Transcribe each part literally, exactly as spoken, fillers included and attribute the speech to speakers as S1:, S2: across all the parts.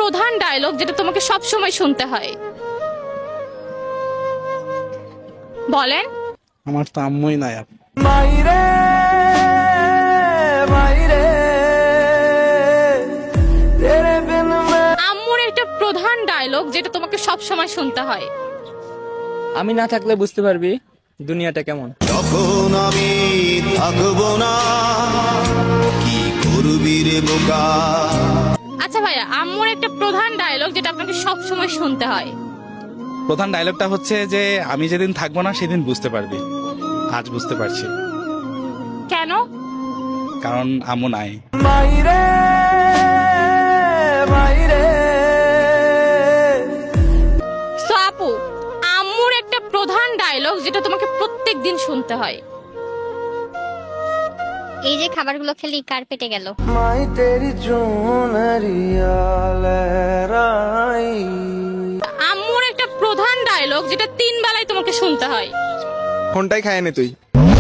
S1: প্রধান ডায়লগ যেটা তোমাকে সব সময় শুনতে হয়? বলেন।
S2: আমার তো আম্মুই নাই।
S3: মাইরে মাইরে তেরে বিন মে
S1: আম্মুর একটা প্রধান ডায়লগ যেটা তোমাকে সব সময় শুনতে হয়।
S4: আমি না থাকলে বুঝতে পারবি দুনিয়াটা কেমন।
S5: তখন আমি থাকবো না, কি করবি রে বোকা।
S1: আচ্ছা ভাইয়া, আম্মুর একটা প্রধান ডায়লগ যেটা আপনাকে সব সময় শুনতে হয়।
S2: প্রধান ডায়লগটা হচ্ছে যে আমি যেদিন থাকবো না সেদিন বুঝতে পারবি। আজ বুঝতে পারছি।
S1: কেন?
S2: কারণ আম্মু নাই।
S3: মাইরে মাইরে
S1: সো আপু, আম্মুর একটা প্রধান ডায়লগ যেটা তোমাকে প্রত্যেক দিন শুনতে হয়।
S6: এই যে খাবারগুলো খেলি কার পেটে গেল?
S3: মাই তেরি চুনরিয়া লহরাই।
S1: আম্মুর একটা প্রধান ডায়লগ যেটা তিন বেলায় তোমাকে শুনতে হয়।
S7: ফোনটাই খায় নে তুই।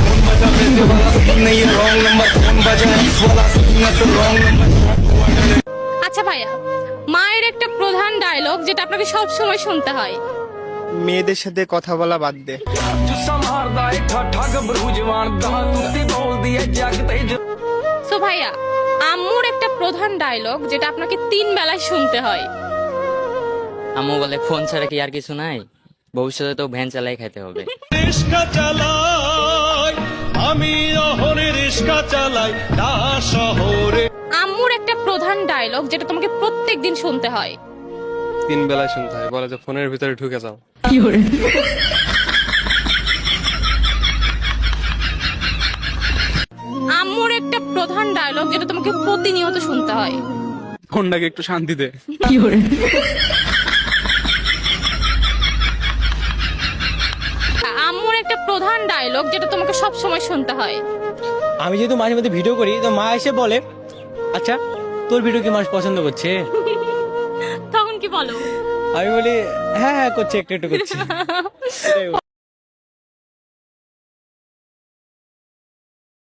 S1: আচ্ছা ভাইয়া, মায়ের একটা প্রধান ডায়লগ যেটা আপনাকে সব সময় শুনতে হয়।
S7: মেয়েদের সাথে কথা বলা বাদ দে।
S1: সো ভাইয়া, আম্মুর একটা প্রধান ডায়লগ যেটা আপনাকে তিন বেলায় শুনতে হয়।
S4: আম্মু বলে ফোন ছাড়া কি আর কিছু নাই, ভবিষ্যতে তো ভ্যান চালাই খাইতে হবে।
S8: রিস্কা চালাই আমি, অহরে রিস্কা চালাই না শহরে।
S1: আম্মুর একটা প্রধান ডায়লগ যেটা তোমাকে প্রত্যেক দিন শুনতে হয়।
S7: তিন বেলায় শুনতে হয়, বলে যে ফোনের ভিতরে ঢুকে যাও।
S1: আম্মুর একটা প্রধান ডায়লগ যেটা তোমাকে প্রতিনিয়ত শুনতে হয়।
S2: ফোনটাকে একটু শান্তি দে।
S1: আম্মুর একটা প্রধান ডায়লগ যেটা তোমাকে সব সময় শুনতে হয়।
S4: আমি যেহেতু মাঝে মধ্যে ভিডিও করি, তো মা এসে বলে আচ্ছা তোর ভিডিও কি মানুষ পছন্দ করছে?
S1: তখন কি বলো?
S4: আমি বলি হ্যাঁ হ্যাঁ করছে, একটু একটু করছে।